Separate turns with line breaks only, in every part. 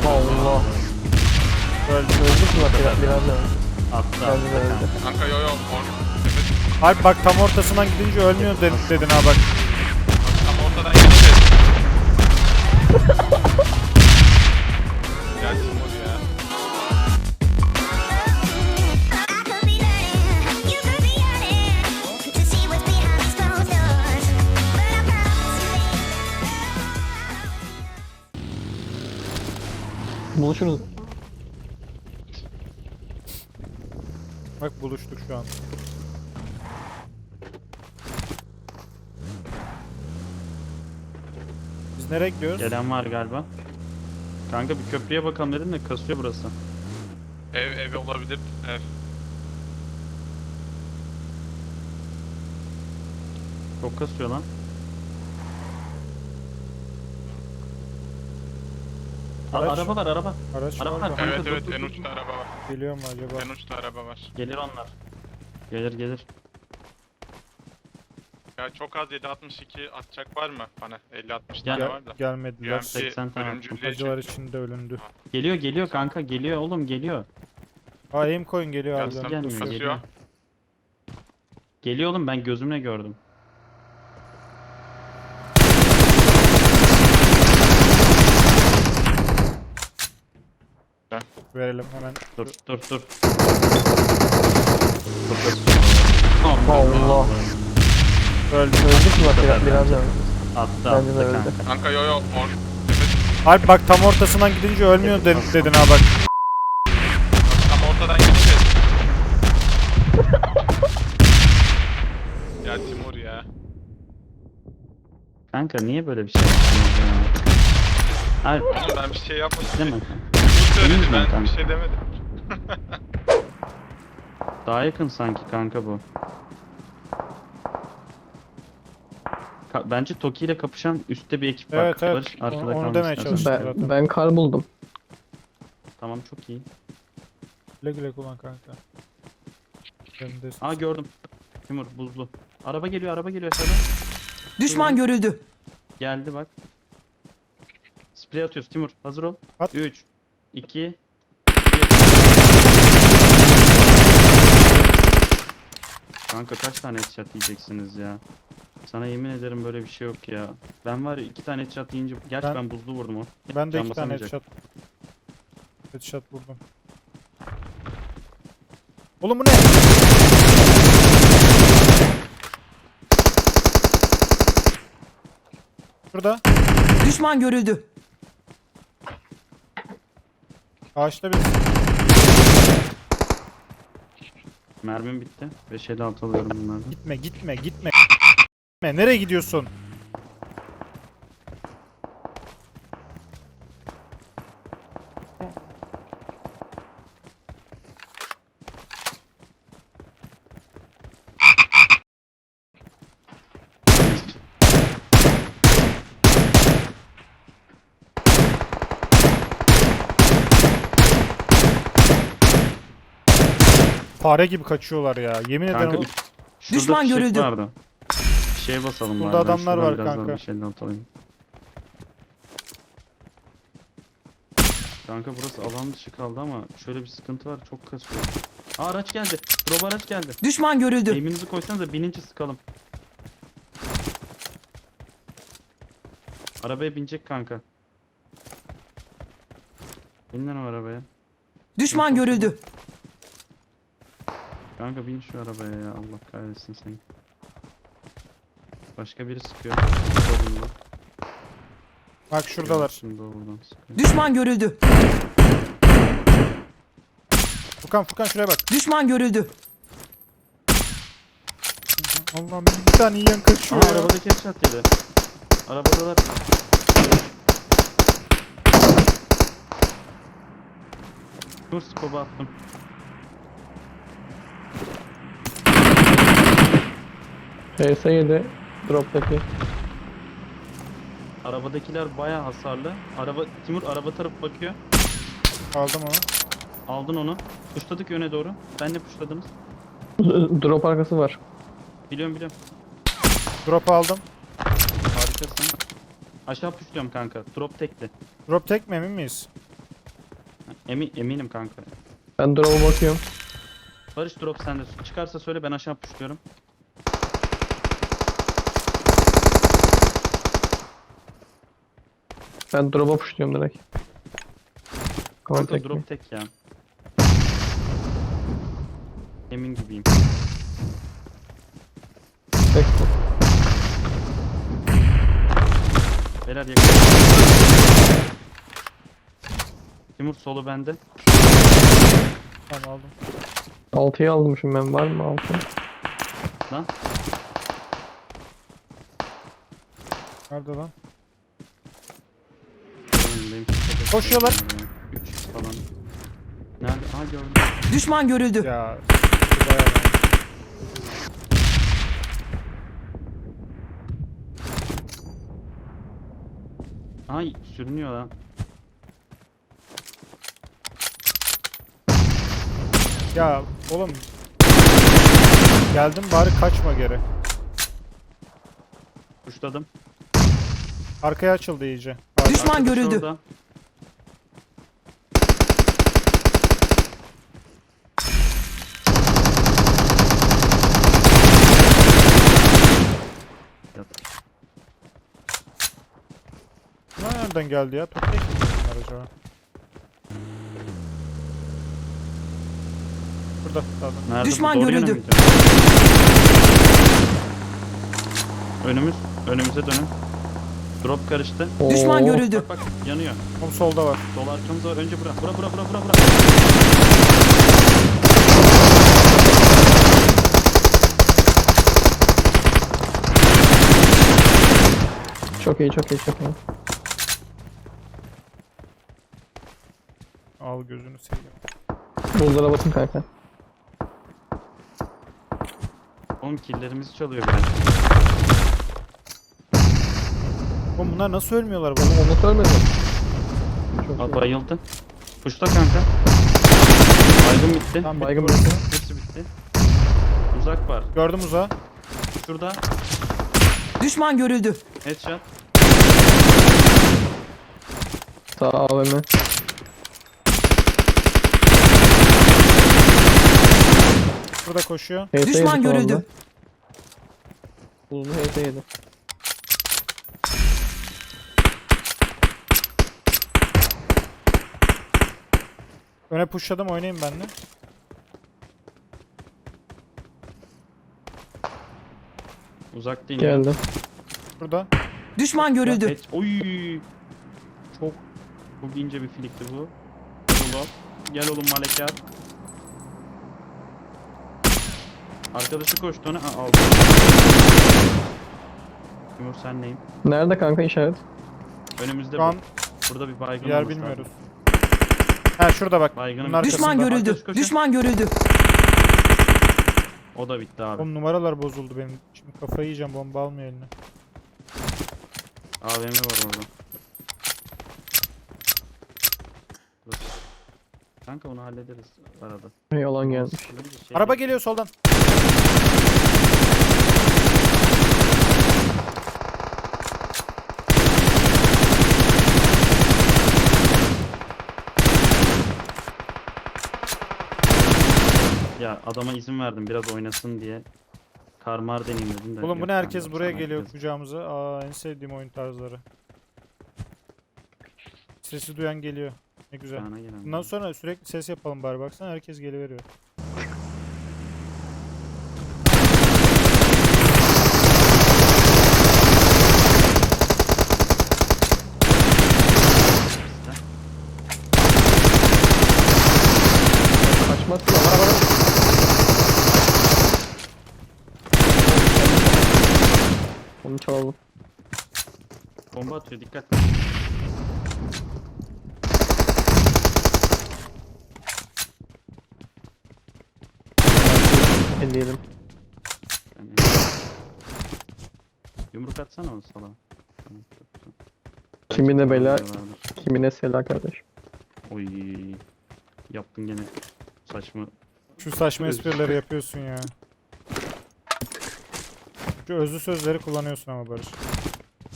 Allah. Öldük mü bak biraz da öldü.
Attı
Kendine öldü.
Kanka yo yo.
Alp bak tam ortasından gidince ölmüyor dedin ha bak.
Tam ortadan gideceğiz. Gel Timur ya.
Buluşuruz.
Bak buluştuk şu an. Biz nereye gidiyoruz?
Gelen var galiba. Kanka bir köprüye bakalım dedim de kasıyor burası.
Ev olabilir. Ev.
Çok kasıyor lan.
Araç.
Araba var araba.
Araç
Araba
var
var.
mı?
Kanka,
Evet
dur,
evet
dur,
en
dur.
uçta araba var.
Geliyor mu acaba?
En uçta araba var.
Gelir onlar. Gelir.
Ya çok az 7.62 atacak var mı bana? 50-60
Gel.
tane var da.
Gelmediler.
UMP
80 tane
ölümcüllüğe
Acılar
çek.
içinde ölündü.
Geliyor kanka geliyor oğlum geliyor.
Aa aim coin geliyor
Gelsin.
harbiden.
Gelmiyor
kasıyor.
geliyor. Geliyor oğlum ben gözümle gördüm.
Verelim hemen.
Dur.
Allah. Öldük mü bak biraz da öldü.
Attı
Kendine öldü.
kanka.
Kanka yo yo.
Alp bak tam ortasından gidince ölmüyor dedin ha bak.
Tam ortadan gideceğiz. Ya Timur ya.
Kanka niye böyle bir şey yapıyorsun ya? Alp
Oğlum ben bir şey yapmadım.
değil mi?
Timur söyledi
Emin misin
ben
kanka?
bir şey demedim.
Daha yakın sanki kanka bu. Bence Toki ile kapışan üstte bir ekip var.
Evet evet.
Barış, arkada
Onu
kalması
demeye
lazım.
çalıştım
Ben,
zaten.
ben kar buldum.
Tamam çok iyi.
Güle güle kullan kanka. Benim de-
Aa gördüm. Timur buzlu. Araba geliyor aşağıdan.
Düşman görüldü.
Geldi bak. Sprey atıyoruz Timur. Hazır ol.
At.
3 2 Kanka kaç tane headshot yiyeceksiniz ya? Sana yemin ederim böyle bir şey yok ya. Ben var ya 2 tane headshot yiyince gerçi
Ben-
ben buzlu vurdum o.
Ben de
Can
2 tane
basamayacak.
headshot vurdum. Oğlum bu ne? Şurada.
Düşman görüldü.
Ağaçta bir.
Mermim bitti. 556 alıyorum bunlardan.
Gitme. Nereye gidiyorsun? Fare gibi kaçıyorlar ya. Yemin ederim.
Kanka şurada
Düşman
fişek
görüldü.
vardı. Bir şeye basalım
Burada
bari, ben
adamlar
şuradan
var
biraz daha
kanka.
556 alayım. Kanka burası alan dışı kaldı ama şöyle bir sıkıntı var, çok kasıyor. Aa araç geldi. Drop araç geldi.
Düşman görüldü.
Aim'inizi koysanıza binince sıkalım. Arabaya binecek kanka. Bin lan o arabaya.
Düşman görüldü.
Kanka bin şu arabaya ya, Allah kahretsin seni. Başka biri sıkıyor. Solunda.
Bak şuradalar.
Şimdi o buradan sıkıyor.
Düşman görüldü.
Furkan şuraya bak.
Düşman görüldü.
Allah'ım bir tane yiyen kaçıyor
Aa
ya.
arabadaki headshot yedi. Arabadalar. Dur scope'u attım.
PS7 drop'taki.
Arabadakiler bayağı hasarlı. Timur araba tarafı bakıyor.
Aldım onu.
Aldın onu. Puşladık yöne doğru. Ben de puşladınız.
Drop arkası var.
Biliyorum.
Drop aldım.
Harikasın. Aşağı puşluyorum kanka. Drop tekli.
Drop tek mi emin miyiz?
Eminim kanka.
Ben drop'a bakıyorum.
Barış drop sende. Çıkarsa söyle, ben aşağı pushluyorum.
Ben drop'a pushluyorum direkt.
Kanka
Contact me.
drop tek ya. Emin gibiyim.
Tek bu.
Beyler yakın. Timur solu bende.
Tamam aldım.
6'yı almışım ben. Var mı 6?
Lan.
Nerede lan?
Önündeyim.
Koşuyorlar.
3 falan. Nerede? Aa gördüm.
Düşman görüldü.
Ya. şu bayağı lan.
Ay sürünüyor lan.
Ya oğlum. Geldim bari kaçma geri.
Pushladım.
Arkaya açıldı iyice.
Düşman
Arkadaş
görüldü.
orada. Yat.
Bunlar nereden geldi ya? Toplayıp mı bunlar acaba? Burada. Tamam.
Nerede?
Düşman
Bu doğru yöne
görüldü.
mi gidiyor? Önümüze dönün. Drop karıştı.
Düşman
Oo.
görüldü.
Bak yanıyor.
Oğlum solda var.
Sol arkamızda var. Önce bura.
Çok iyi, çok iyi, çok iyi.
Al gözünü seveyim.
Buzlara batın kanka.
Oğlum killerimizi çalıyor biraz.
Oğlum bunlar nasıl ölmüyorlar
Onu,
bana?
onu söylemedim. Çok
Aa,
iyi.
bayıldı. Pushla kanka. Baygın bitti.
Tam
Baygın
bitti
bitti.
orası.
Hepsi bitti. Uzak var.
Gördüm uzağı.
Şurada.
Düşman görüldü.
Headshot.
Sağ AVM.
Burada koşuyor.
HS
Düşman
yedi
görüldü.
falan da. Uzun HS yedi.
Öne pushladım oynayayım ben de.
Uzak değil.
Geldim.
Burada.
Düşman görüldü.
Oy. Çok ince bir filikti bu. Gel oğlum Malekar. Arkadaşı koştu ona. Aa, aldı. Timur sen neyim?
Nerede kanka işaret?
Önümüzde
Şu an
burada bir baygın
yer
olması
bilmiyoruz.
lazım.
Ha şurada bak.
Baygınım.
Bunun arkasında.
Düşman görüldü.
Arkadaş koşun.
Düşman görüldü.
O da bitti abi.
Oğlum numaralar bozuldu benim. Şimdi kafayı yiyeceğim, bomba almıyor eline.
AVM var orada. Dur. Kanka onu hallederiz arada.
Yalan gelmiş.
Şöyle bir şey
Araba
değil.
geliyor soldan.
Ya adama izin verdim biraz oynasın diye. Karmar deneyim dedim de.
Oğlum bu
yok
ne, herkes
kanka,
buraya
sana
geliyor
herkes-
kucağımıza. Aa en sevdiğim oyun tarzları. Sesi duyan geliyor. Ne güzel.
Sana gelen
Bundan
var.
sonra sürekli ses yapalım bari, baksana herkes geliveriyor.
Kaçmazsın ama. Onu çalalım.
Bomba atıyor dikkat.
Elleyelim.
Yani... Yumruk atsana o salağa. Tamam, çok güzel.
Kimine bela,
Vardır.
kimine sela kardeş.
Oy. Yaptın gene saçma.
Şu saçma esprileri yapıyorsun ya. Şu özlü sözleri kullanıyorsun ama Barış.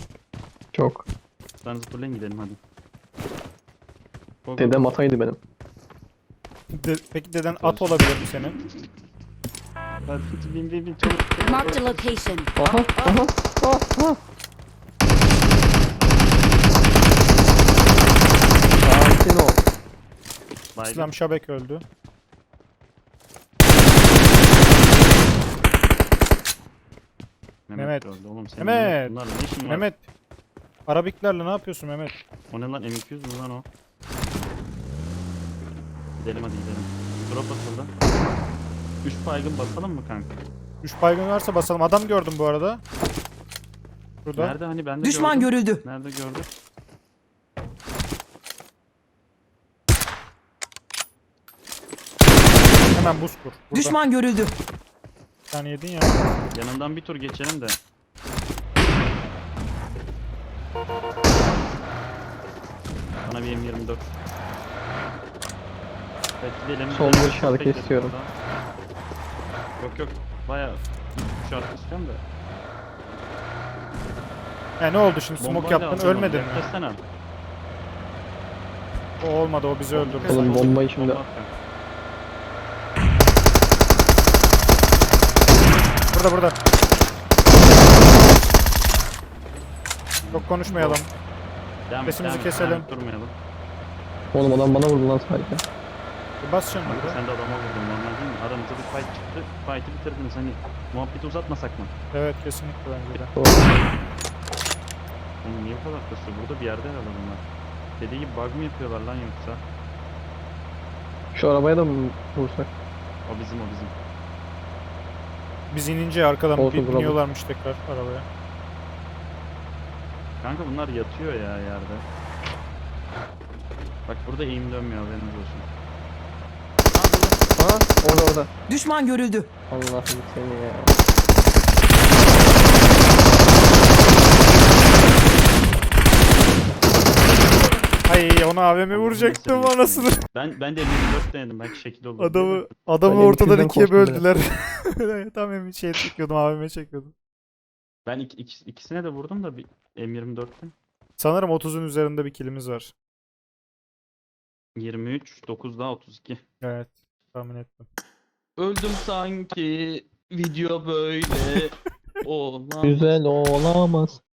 Çok.
Sen zıpırlayın gidelim hadi. Go, go,
Dedem
go.
ataydı benim.
Peki deden at olabilir mi senin?
Hadi bin çabuk.
Marked a location.
Aha aha aha. Sakin ol.
Baygın.
İslam Şabek öldü. Mehmet.
öldü oğlum. Senin
Mehmet.
bunlarla ne işin var?
Mehmet. Arabiklerle ne yapıyorsun Mehmet?
O ne lan M200 mü lan o? Gidelim hadi gidelim. Drop atıldı. 3 baygın basalım mı kanka?
3 baygın varsa basalım. Adam gördüm bu arada. Burada.
Nerede hani ben de
Düşman
gördüm.
görüldü.
Nerede gördük?
Hemen buz kur. Burada.
Düşman görüldü.
Bir tane yedin ya.
Yanından bir tur geçelim de. Bana bir M24. Evet gidelim.
Sol
gidelim.
bir şarkı
Bekledim
istiyorum.
orada. Yok bayağı şarkı istiyorum da.
Ya ne oldu şimdi? Smoke
Bombayla
yaptın
atalım,
ölmedin mi?
yaklaşsana.
O olmadı, o bizi öldürdü.
Oğlum bombayı şimdi-
Bomba atacağım.
Burada. Çok konuşmayalım.
Devam et,
Sesimizi
devam et,
keselim.
devam et, durmayalım.
Oğlum adam bana vurdu lan sadece.
Bas şimdi.
Kanka sen de adama vurdun normal değil mi? Aranızda bir fight çıktı. Fight'ı bitirdiniz hani. Muhabbeti uzatmasak mı?
Evet, kesinlikle bence de.
Doğru.
Oğlum niye bu kadar kasıyor? Burada bir yerde herhalde bunlar. Dediği gibi bug mı yapıyorlar lan yoksa?
Şu arabaya da mı vursak?
O bizim.
Biz inince arkadan
Olsun,
bir
bravo.
biniyorlarmış tekrar arabaya.
Kanka bunlar yatıyor ya yerde. Bak burada eğim dönmüyor haberiniz olsun.
Aa orada.
Düşman görüldü.
Allah'ım seni ya.
Ay, ona AVM vuracaktım
Allah'ım
anasını.
Ben de 54 denedim belki şekil olur.
Adamı
Ben
ortadan
M200'den
ikiye
korktum
böldüler. Tam emin şey çekiyordum, AVM çekiyordum.
Ben ikisine de vurdum da bir M24'te.
Sanırım 30'un üzerinde bir killimiz var.
23, 9 daha 32.
Evet, tahmin ettim.
Öldüm sanki video böyle olamaz.
Güzel olamaz.